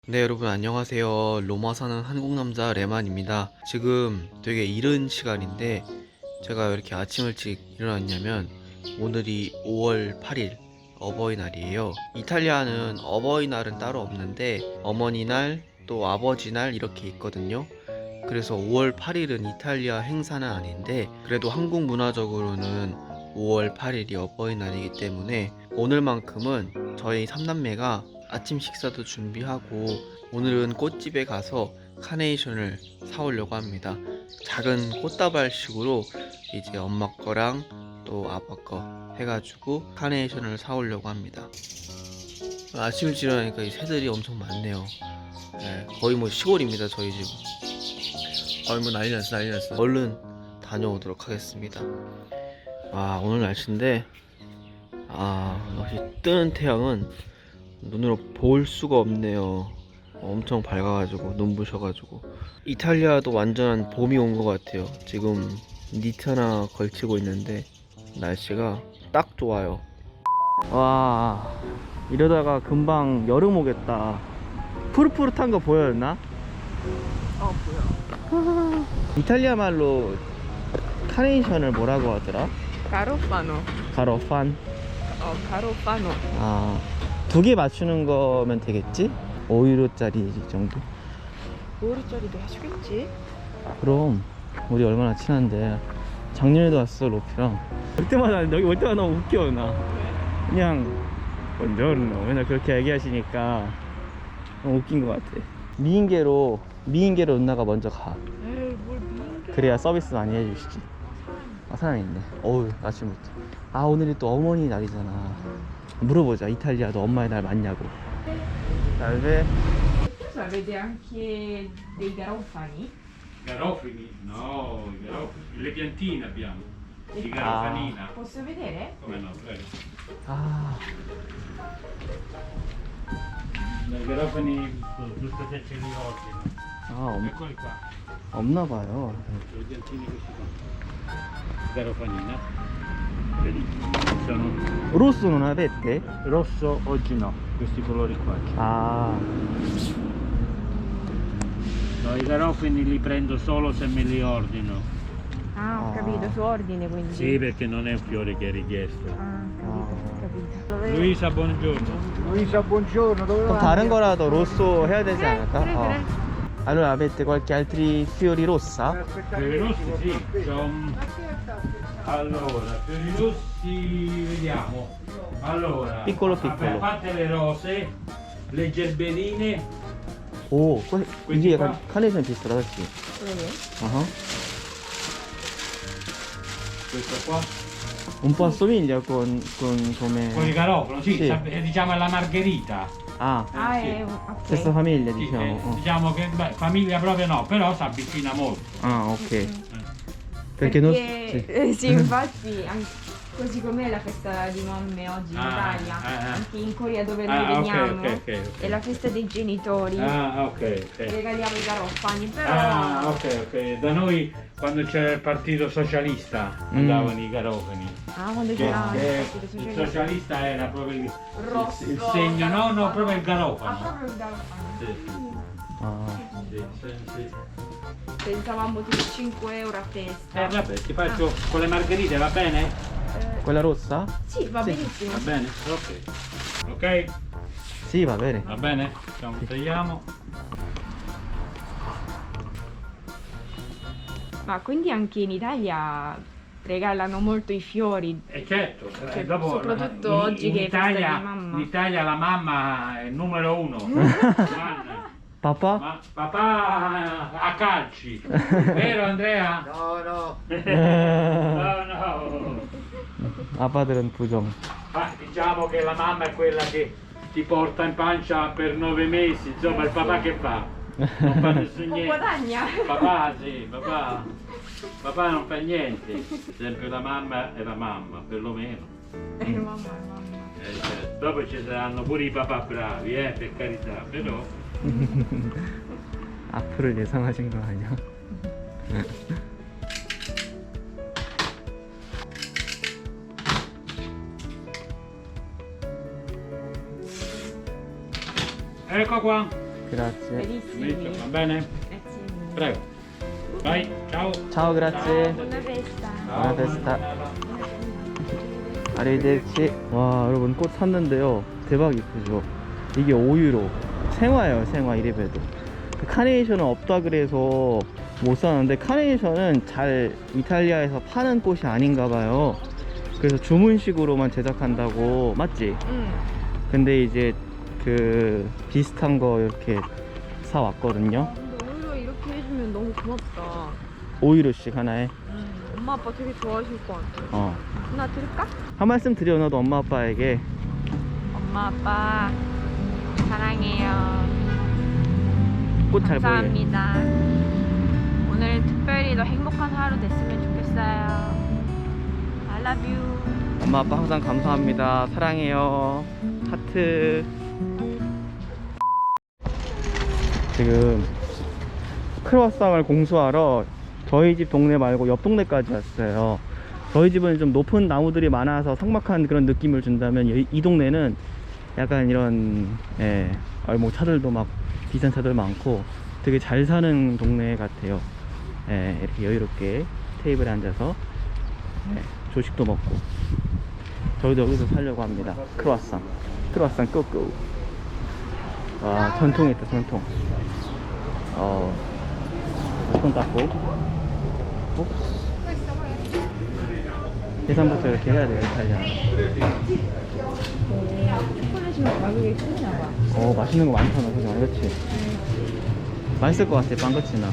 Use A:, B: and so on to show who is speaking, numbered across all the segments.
A: 네, 여러분 안녕하세요. 로마 사는 한국 남자 레만입니다. 지금 되게 이른 시간인데 제가 왜 이렇게 아침 일찍 일어났냐면 오늘이 5월 8일 어버이날이에요. 이탈리아는 어버이날은 따로 없는데 어머니날 또 아버지날 이렇게 있거든요. 그래서 5월 8일은 이탈리아 행사는 아닌데 그래도 한국 문화적으로는 5월 8일이 어버이날이기 때문에 오늘만큼은 저희 삼남매가 아침 식사도 준비하고 오늘은 꽃집에 가서 카네이션을 사오려고 합니다. 작은 꽃다발식으로 이제 엄마 거랑 또 아빠 거 해가지고 카네이션을 사오려고 합니다. 아침 일찍 일어나니까 이 새들이 엄청 많네요. 네, 거의 뭐 시골입니다 저희 집. 뭐 난리 났어 난리 났어. 얼른 다녀오도록 하겠습니다. 오늘 날씨인데 역시 뜨는 태양은 눈으로 볼 수가 없네요. 엄청 밝아가지고 눈부셔가지고. 이탈리아도 완전한 봄이 온 것 같아요. 지금 니트 하나 걸치고 있는데 날씨가 딱 좋아요. 와, 이러다가 금방 여름 오겠다. 푸릇푸릇한 거 보였나?
B: 보여.
A: 이탈리아 말로 카네이션을 뭐라고 하더라?
B: 가로파노.
A: 가로판?
B: 가로파노.
A: 두 개 맞추는 거면 되겠지? 5유로짜리 정도?
B: 5리짜리도 해주겠지?
A: 그럼 우리 얼마나 친한데. 작년에도 왔어 로피랑. 그때마다 여기 올 때마다 너무 웃겨. 나 그냥 본저르노 맨날 그렇게 얘기하시니까 너무 웃긴 것 같아. 미인계로 누나가 먼저 가.
B: 에이, 뭘 미인게.
A: 그래야 서비스 많이 해주시지. 사람이 있네. 어우, 아침부터. 오늘이 또 어머니 날이잖아. 물어보자. 이탈리아도 엄마의 날 맞냐고. salve.
B: Avete anche dei garofani?
C: Garofani? No, i garofani. Le piantine abbiamo. Di garofanina.
B: Posso vedere?
C: Come no, prego. I garofani giusto se ce li ordino. Eccoli qua.
A: 없나봐요.
C: Le piantine questi qua. Garofanina. Vedi? Sono
A: 로스 non avete?
C: rosso oggi no, questi colori qua. No, i garofani li prendo solo se me li ordino.
B: Ho capito, su ordine quindi.
C: Sì, perché non è un fiore che è richiesto.
B: Capito.
C: Luisa, buongiorno.
D: Luisa, buongiorno, dove
A: 그럼
D: vai?
A: 다른 거라도 로sso 해야 되지 않을까?
B: 그래.
A: Allora avete qualche altri fiori rossa?
C: Fiori rossi sì, allora, fiori rossi vediamo. Allora,
A: Piccolo,
C: vabbè,
A: piccolo.
C: a parte le rose, le gerberine,
A: 오, 이게 약간
C: qua?
A: 카네이션 비슷하다, 그치?
C: questo qua,
A: Un po' assomiglia con come...
C: con il garofano, sì,
A: Sì.
C: diciamo è la margherita.
B: È
A: stessa famiglia,
C: Sì,
A: diciamo.
C: diciamo che famiglia proprio no, però si avvicina molto.
A: Ok. Perché non... sì.
B: sì, infatti così com'è la festa di mamme oggi in Italia, anche in Corea dove noi veniamo,
C: ok.
B: è la festa dei genitori,
C: Ok.
B: regaliamo i garofani, però
C: Ok. Da noi quando c'era il partito socialista andavano i garofani.
B: quando c'era il partito
C: Il
B: socialista
C: socialista era proprio
B: rosso,
C: il segno, no, proprio il garofano.
B: proprio il garofano.
C: Sì.
B: Pensavamo tipo 5 euro a testa.
C: Vabbè, ti faccio con le margherite, va bene?
A: Quella rossa?
B: Sì, va benissimo.
C: Va bene? Ok,
A: Sì, va bene.
C: va bene? Facciamo, tagliamo.
B: Ma quindi anche in Italia regalano molto i fiori.
C: E certo,
B: Cioè,
C: dopo
B: soprattutto oggi che è festa di mamma.
C: in Italia la mamma è il numero uno. Giovanna.
A: Papà?
C: Ma papà a calci, vero Andrea?
D: No,
C: No.
A: 아빠들은 부정.
C: Diciamo che la mamma è quella che ti porta in pancia per 9 mesi, insomma il papà che fa? Non fa nessun
B: Non
C: niente.
B: guadagna.
C: Papà sì, papà non fa niente. Per esempio la mamma è la mamma, perlomeno.
B: Mamma.
C: Certo. Dopo ci saranno pure i papà bravi, per carità, però.
A: 앞으로 예상하신 거 아니야?
C: Ecco qua.
A: grazie.
B: Verissimi.
C: Va bene?
B: Grazie mille.
C: Prego. Vai, ciao.
A: Ciao, grazie.
B: Buona festa.
A: Buona festa. arrivederci. 와, 여러분 꽃 샀는데요. 대박 이쁘죠? 이게 5유로. 생화예요, 생화 이래봬도. 카네이션은 없다 그래서 못 사는데, 카네이션은 잘 이탈리아에서 파는 꽃이 아닌가 봐요. 그래서 주문식으로만 제작한다고. 맞지?
B: 응.
A: 근데 이제 그 비슷한 거 이렇게 사왔거든요.
B: 근데 오히려 이렇게 해주면 너무 고맙다.
A: 5유로씩 하나에.
B: 엄마 아빠 되게 좋아하실 것 같아. 하나 드릴까?
A: 한 말씀 드려, 너도 엄마 아빠에게.
B: 엄마 아빠 사랑해요.
A: 꽃 잘 보이게.
B: 감사합니다. 오늘 특별히 더 행복한 하루 됐으면 좋겠어요. I love you.
A: 엄마 아빠 항상 감사합니다. 사랑해요. 하트. 지금 크로와상을 공수하러 저희 집 동네 말고 옆 동네까지 왔어요. 저희 집은 좀 높은 나무들이 많아서 삭막한 그런 느낌을 준다면, 이 동네는 약간 이런 뭐 차들도 막 비싼 차들 많고 되게 잘 사는 동네 같아요. 이렇게 여유롭게 테이블에 앉아서 조식도 먹고. 저희도 여기서 살려고 합니다. 크로와상 꾸꾸. 와, 전통이 있다, 전통. 손 닦고. 계산부터 이렇게 해야 돼요, 이탈리아.
B: 초콜릿이면 가격이 크나봐.
A: 맛있는 거 많잖아, 그죠? 그렇지? 맛있을 것 같아, 빵거치나.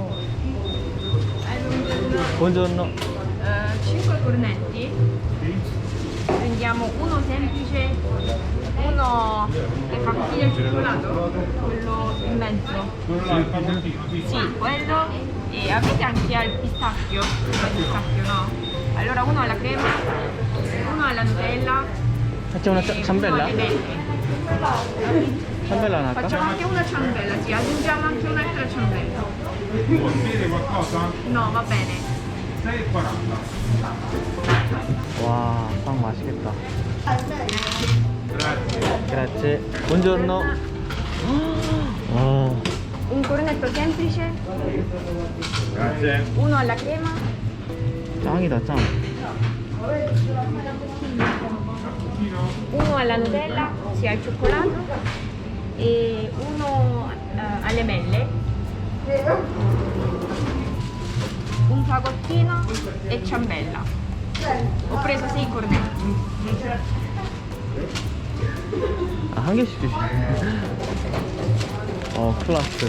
A: buongiorno.
B: 5 cornetti. Prendiamo uno semplice, uno le patatine al cioccolato, quello in mezzo. Sì, quello. E avete anche al pistacchio? Al pistacchio no? Allora uno alla crema, uno alla Nutella.
A: facciamo una
B: e
A: ciambella?
B: uno alle mele.
A: ciambella 할까?
B: Facciamo anche una ciambella, sì, aggiungiamo anche un'altra ciambella.
C: Vuol dire qualcosa?
B: No, va bene.
C: 6,40.
A: 와, 빵 맛있겠다.
C: Grazie.
A: grazie. buongiorno. 와,
B: Un cornetto semplice,
C: Grazie.
B: uno alla crema,
A: 짱이다, 짱.
B: uno alla Nutella, sia al cioccolato, e uno alle mele, un fagottino e ciambella. Ho preso 6 cornetti.
A: 한 개씩 주시네. 클라스.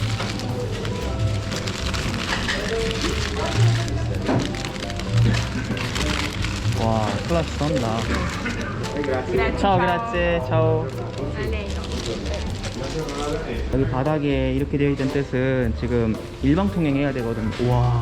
A: 와, 클라스 썬다.
B: Grazie.
A: 차오, grazie. 차오.
B: A lei.
A: 여기 바닥에 이렇게 되어 있던 뜻은 지금 일방통행 해야 되거든.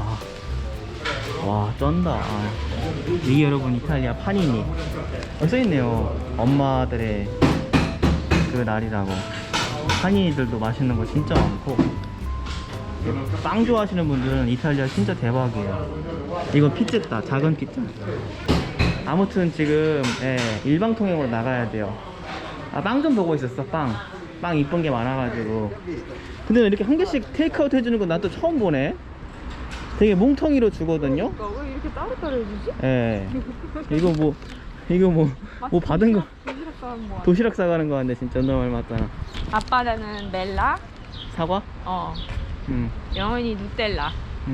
A: 와, 쩐다. 이게 여러분 이탈리아 파니니. 써있네요. 엄마들의 그 날이라고. 파니들도 맛있는 거 진짜 많고. 빵 좋아하시는 분들은 이탈리아 진짜 대박이에요. 이건 피자다, 작은 피자. 아무튼 지금 일방통행으로 나가야 돼요. 빵 좀 보고 있었어. 빵 이쁜 게 많아가지고. 근데 이렇게 한 개씩 테이크아웃 해주는 건 난 또 처음 보네. 되게 뭉텅이로 주거든요.
B: 왜 이렇게 따로따로 해주지?
A: 이거 뭐 받은 거
B: 도시락 싸는 거
A: 도시락 싸가는 거 같네. 진짜 너말 맞잖아.
B: 아빠는 멜라,
A: 사과?
B: 영원히 누텔라.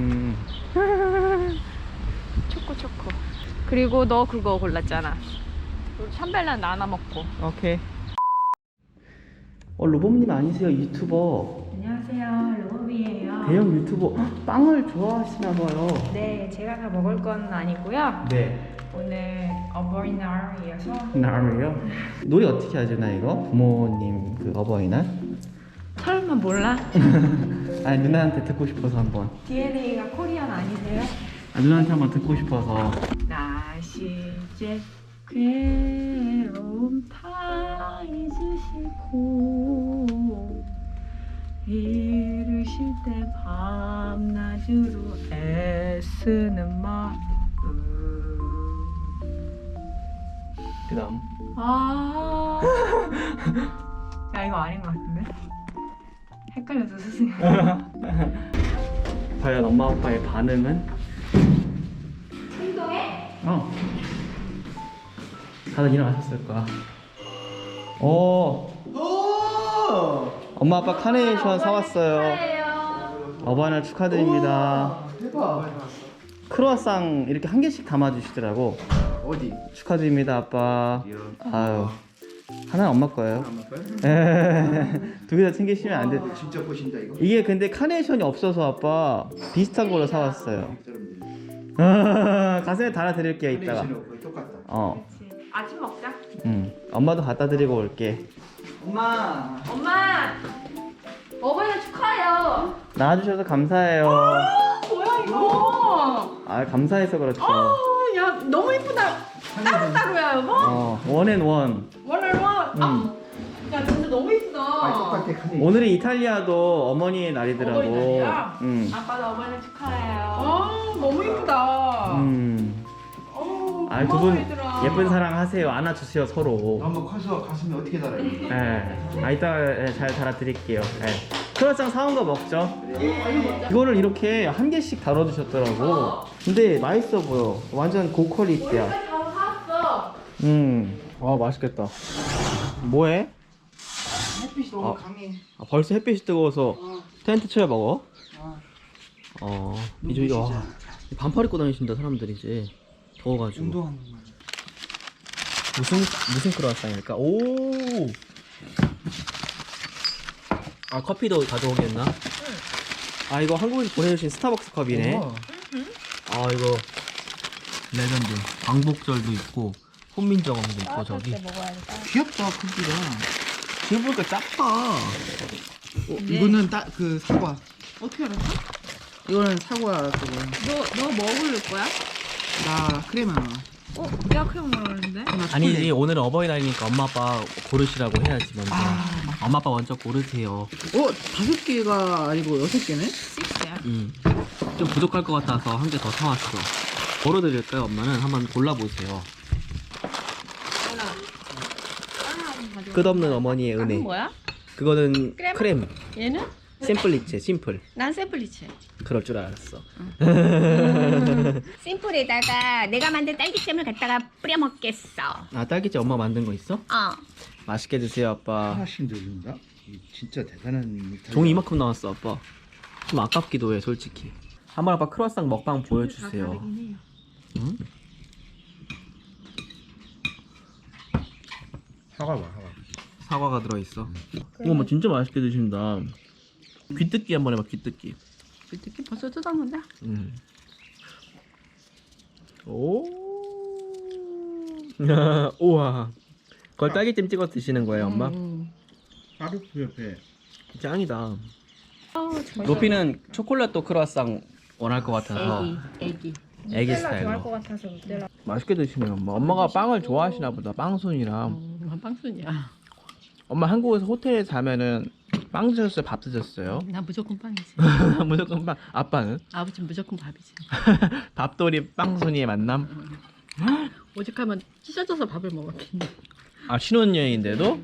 B: 초코. 그리고 너 그거 골랐잖아. 샴벨란 나눠 먹고.
A: 오케이. 로봇님 아니세요? 유튜버.
B: 안녕하세요, 로비예요.
A: 대형 유튜버. 헉, 빵을 좋아하시나봐요.
B: 네, 제가 다 먹을 건 아니고요.
A: 네.
B: 오늘 어버이날이어서
A: 나를요? 노래 어떻게 하죠, 나 이거? 부모님 그 어버이날?
B: 설마 몰라?
A: 아니, 누나한테 듣고 싶어서 한번.
B: DNA가 코리안 아니세요?
A: 누나한테 한번 듣고 싶어서.
B: 나시제 괴로움 다 잊으시고 이르실 때 밤낮으로 애쓰는 마음.
A: 그 다음.
B: 야, 이거 아닌 것 같은데? 헷갈려서 스승.
A: 과연 엄마 아빠의 반응은?
B: 운동해?
A: 다들 일어나셨을 거야. 오. 엄마 아빠 카네이션 사왔어요. 어버이날 축하드립니다.
D: 대박.
A: 크루아상 이렇게 한 개씩 담아주시더라고.
D: 어디?
A: 축하드립니다 아빠. 아유, 하나는 엄마 거예요.
D: 엄마 거야?
A: 두 개 다 챙기시면 안 돼.
D: 진짜 보신다 이거.
A: 이게 근데 카네이션이 없어서 아빠 비슷한 걸로 사왔어요.
D: 사람들이.
A: 가슴에 달아드릴게요 이따가.
D: 카네이션하고 거의 똑같다.
B: 그렇지. 아침 먹자.
A: 엄마도 갖다 드리고 올게.
D: 엄마.
B: 엄마! 어버이날 축하해요.
A: 나와주셔서 감사해요.
B: 뭐야 이거?
A: 아 감사해서 그렇죠.
B: 야 너무 이쁘다. 따로따로야 여보?
A: 원앤원.
B: 원얼원. 야 진짜 너무 이쁘다.
D: 똑같아 카네이션.
A: 오늘이 이탈리아도 어머니의 날이더라고.
B: 어버이날이야?
E: 아빠도 어버이날 축하해요.
B: 너무 이쁘다.
A: 아, 두 분
B: 얘들아.
A: 예쁜 사랑 하세요. 안아주세요 서로.
D: 너무 커서 가슴이 어떻게 달아?
A: 예. 이따가 잘 달아드릴게요. 예. 크루아상 사온 거 먹죠. 이거를 이렇게 한 개씩 다뤄주셨더라고. 근데 맛있어 보여. 완전 고퀄리티야.
B: 다 사왔어.
A: 와 맛있겠다. 뭐해?
D: 햇빛이 너무 강해.
A: 벌써 햇빛이 뜨거워서 텐트 쳐야 먹어? 이제 와 반팔 입고 다니신다 사람들이 이제 더워가지고.
D: 운동하는 거.
A: 무슨 크루아상일까? 오. 아 커피도 가져오겠나? 아 이거 한국에서 보내주신 스타벅스 컵이네. 아 이거 레전드. 광복절도 있고 혼민정음도 있고 저기.
D: 귀엽다 크기가. 지금 보니까 작다. 이거는 그 사과. 어떻게 알았어? 이거는 사과 그거.
B: 너 뭐 고를 거야?
D: 나 크림 하나.
B: 내가 크림 먹었는데.
A: 아니지 오늘은 어버이날이니까 엄마 아빠 고르시라고 해야지 먼저. 엄마 아빠 먼저 고르세요.
D: 5개가 아니고 6개네?
B: 6야.
A: 좀 부족할 것 같아서 한 개 더 사왔어. 뭐로 드릴까요 엄마는? 한번 골라보세요. 끝없는 어머니의 은혜.
B: 뭐야?
A: 그거는
B: 크레마?
A: 크렘.
B: 얘는?
A: 심플리체 심플.
B: 난 샘플리체.
A: 그럴 줄 알았어.
E: 심플에다가 내가 만든 딸기잼을 갖다가 뿌려 먹겠어.
A: 아 딸기잼 엄마 만든 거 있어? 맛있게 드세요 아빠.
D: 하나씩 들린다? 진짜 대단한.
A: 종이 이만큼 나왔어 아빠. 좀 아깝기도 해 솔직히. 한번 아빠 크루아상 먹방 보여주세요. 응?
D: 사과 봐 사과.
A: 사과가 들어있어. 이거 뭐 진짜 맛있게 드신다. 귀뜯기 한번 해봐 귀뜯기.
B: 특히 벌써 뜯었는데?
A: 오. 우와. 그걸 딸기잼 찍어 드시는 거예요 엄마?
D: 까르프 옆에.
A: 짱이다. 로피는 초콜릿도 크루아상 원할 것 같아서. 애기 스타일로.
B: 같아서 롯데라.
A: 맛있게 드시네요 엄마. 엄마가 빵을 좋아하시나 보다. 빵순이라.
B: 빵순이야.
A: 엄마 한국에서 호텔에 자면은 빵 드셨어요? 밥 드셨어요?
B: 나 무조건 빵이지.
A: 무조건 빵. 아빠는?
B: 아버지는 무조건 밥이지.
A: 밥돌이 빵순이의 만남?
B: 오죽하면 찢어져서 밥을 먹었겠네.
A: 아 신혼여행인데도?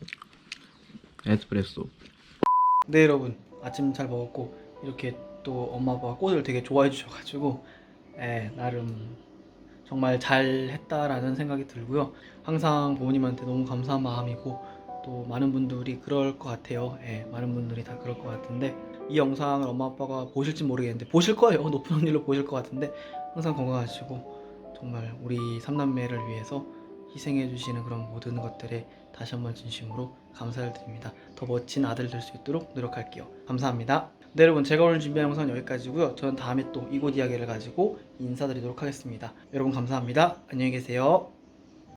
A: 에스프레소. 네 여러분 아침 잘 먹었고 이렇게 또 엄마 아빠가 꽃을 되게 좋아해 주셔가지고 나름 정말 잘 했다라는 생각이 들고요. 항상 부모님한테 너무 감사한 마음이고 또 많은 분들이 그럴 것 같아요. 많은 분들이 다 그럴 것 같은데 이 영상을 엄마 아빠가 보실지 모르겠는데 보실 거예요. 높은 확률로 보실 것 같은데 항상 건강하시고 정말 우리 삼남매를 위해서 희생해 주시는 그런 모든 것들에 다시 한번 진심으로 감사를 드립니다. 더 멋진 아들 될 수 있도록 노력할게요. 감사합니다. 네 여러분 제가 오늘 준비한 영상은 여기까지고요. 저는 다음에 또 이곳 이야기를 가지고 인사드리도록 하겠습니다. 여러분 감사합니다. 안녕히 계세요.